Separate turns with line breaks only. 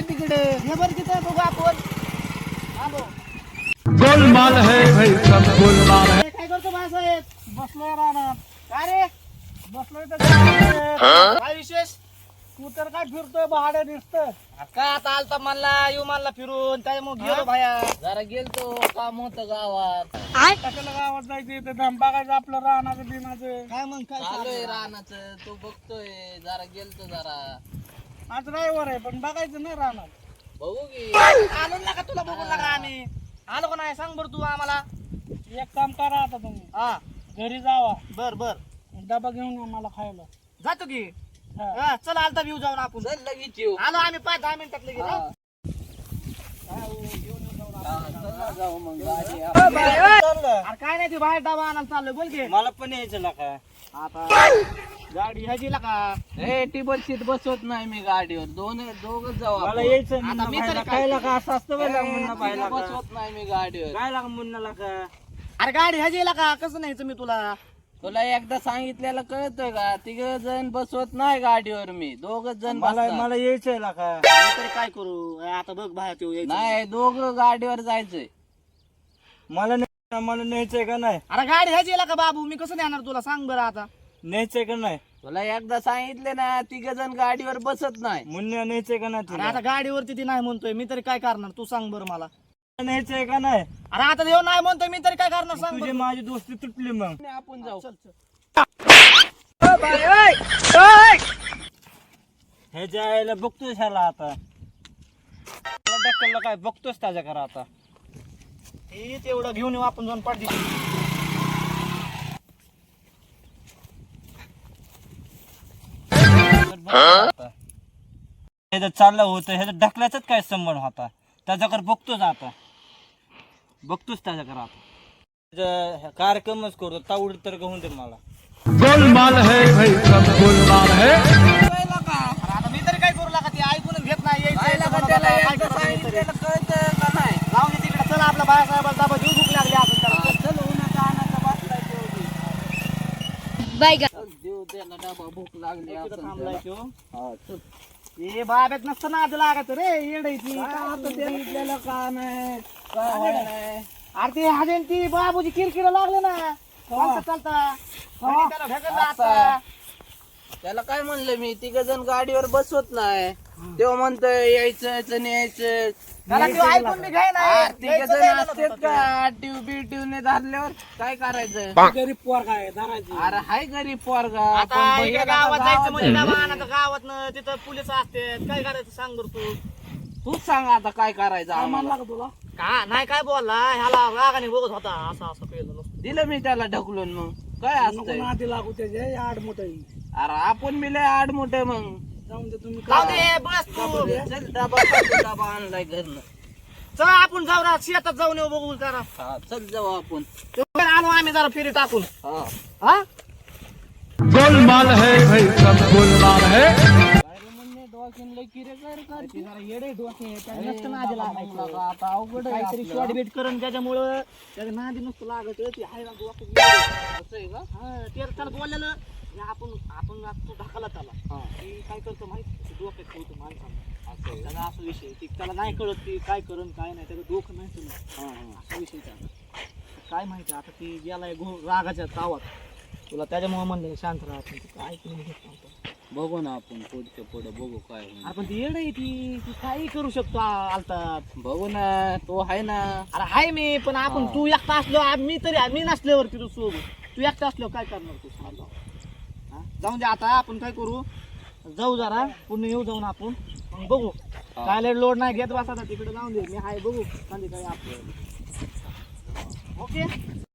तिकडे हे बरं तिथे बघू आपण. आलो.
गोलमाल है भाई सब गोलमाल है.
काय करतो भाईसाहेब? बसलोय राहणार. काय रे? बसलोय तर काय विशेष? तू तर काय फिरतोय भाडे दिसतोय.
काय आता आलता म्हणला फिरून त्याच्यामुळे गेलो भाया. जरा गेलतो काम होतं गावात.
कशाला गावात जायचं ते धाम बघायचं आपलं राहण्याचं बिनाचं. काय मग काय
चालूय रानाचं तू बघतोय. जरा गेलतो जरा
आज ड्रायव्हर आहे पण बघायचं नाही राहणार.
बघू की.
आलो ना का तुला बघून लागा आम्ही आलो का नाही सांग बरं तू आम्हाला. एक काम करा आता तुम्ही
हा
घरी जावा
बर बर
डबा घेऊन या मला खायला.
जातो की.
हा.
चल आलता व्ह्यू जाऊन आपण. चल लगेच येऊ. आलो आम्ही 5-10 मिनिटात लगेच. जाऊ मग गाडी.
अरे काय नाही ते बाहेर डबा आणायला चाललोय बोल की.
मला पण यायचं का
आता गाडी ह्याची का
ए टेबल सीट बसवत नाही मी गाडीवर. दोघच जाऊ
मला
आपण.
यायचं
आता मी तरी
खायला का असं असतं बरं मुन्ना
सीट
पाहिला का
बसवत नाही मी गाडीवर.
काय लागा मुन्नाला का. अरे गाडी ह्याची का कसं न्यायचं मी तुला.
तुला एकदा सांगितलेलं कळतंय का? 3 जण बसवत नाही गाडीवर मी. 2 जण
मला
बसतात.
मला यायचंय का.
मी तरी काय करू आता बघ बाहेर तू यायचं. नाही 2 गाडीवर जायचंय.
मला न्यायचंय का नाही.
अरे गाडी ह्याची का बाबू मी कसं नेणार तुला सांग बरं आता.
न्यायचंय का नाही.
तुला एकदा सांगितले ना 3 जण गाडीवर बसत नाही.
मुन्या न्यायचंय का नाही.
अरे आता गाडीवरती ती नाही म्हणतोय मी तरी काय करणार तू सांग बरं मला.
न्यायचंय का नाही.
अरे आता देव नाही म्हणतोय मी तरी काय करणार सांग
तुझी
बरं.
माझी दोस्ती तुटली मग.
आपण जाऊ.
ह्याच्या आईला बघतोस ह्याला आता ढक्कलला काय बघतोस त्याच्या घरा आता.
हे तेवढं घेऊन येऊ आपण जाऊन पाठी.
ह्याचं चाललं होतं ह्याचं ढकलायचाच काय संबंध होता. त्याच्याकडे बघतोच आता बघतोच त्याच्याकडे आता कार्यक्रमच करतो तावड तर होऊन दे मला.
गोलमाल है भाई सब गोलमाल है.
आता मी तरी काय करू लागा ती ऐकून घेत नाही. यायचं जाऊन दे तिकडे. चला आपल्या बाळासाहेबाला दाबा देऊ. भूक लागली आपण त्याला. चल उन्हाचा आणाचा बसलाय देऊ त्याला डबा. भूक लागली आपण
थांबलाय
त्याला.
तो.
हा, चल.
हे बाब्यात नसतं ना आधी लागत रे येडायची
का नाही काय व्हाय नाही.
अरे ते हजेन ती बाबूची किरकिर लागले ना चालता चालता आणि त्याला ढकललं आता.
त्याला काय म्हणलं मी 3 जण गाडीवर बसवत नाही. तेव्हा म्हणतोय यायचं न्यायचं.
त्याला ते ऐकून मी घ्याय नाही.
3 जण असतात का ट्यूब ने धरल्यावर काय करायचं.
गरीब पोर काय धरायची.
अरे हाय गरीब पोरगा.
आता
पण
इकडे
भैया
गावात जायचं म्हणजे
गावात
डबा आणायचं गावात तिथं पोलीस असतात काय करायचं सांग बरं तू.
तूच सांग आता काय करायचं आम्हाला.
तुला का नाही काय बोलला ह्याला रागाने बघत होता असं असं केलं नसतं.
दिलं मी त्याला ढकलून. मग काय असतंय.
आधी लागू त्याचे आड मोठ
अरे आपण मी लय आड मोठे. मग
जाऊन दे तुम्ही
जाऊ दे बस तू. चल डबा आणलाय घरनं.
चला आपण जाऊ ना शेतात जाऊन येऊ बघू जरा.
हा चल जाऊ आपण.
आलो आम्ही जरा फेरी टाकून.
हा
हा
गोलमाल है भाई सब गोलमाल है.
येडे डोके नसतं नादी लागायचं.
आता अवघड आहे
काहीतरी
आपलं.
शॉर्ट बीट करून त्याच्यामुळं त्याच्या नादी नुसतं लागत ते हाय ना डोकं.
असं आहे का.
हा ते त्याला बोललेलं हे आपण तू ढकला त्याला.
हा.
ती काय करतो माहिती डोक्यात ठेवतो माणसाला.
असं आहे का?
त्याला असं विषय ती त्याला नाही कळत ती काय करून काय नाही त्याचं डोकं नाही तुला
हा, हा.
असा विषय त्याला. काय माहिती आता ती गेलाय रागाच्या तावात तुला त्याच्यामुळे म्हणलं शांत राहा. पण ती काय ऐकून घेत नव्हतं.
बघू ना आपण पुढच्या पुढे बघू काय होईल.
आपण ती येड आहे ती काही करू शकतो आलतात.
बघू ना तो आहे ना.
अरे हाय मी पण आपण
हा.
तू एकटा असलो मी तरी मी नसल्यावरती तू सोबत तू एकटा असलो काय करणार तू सांग. हा? जाऊन दे आता आपण काय करू जाऊ जरा पुन्हा येऊ जाऊन आपण मग बघू. काय लोड नाही घेत बसा तिकडे जाऊन दे मी हाय बघू संध्याकाळी आपलं. ओके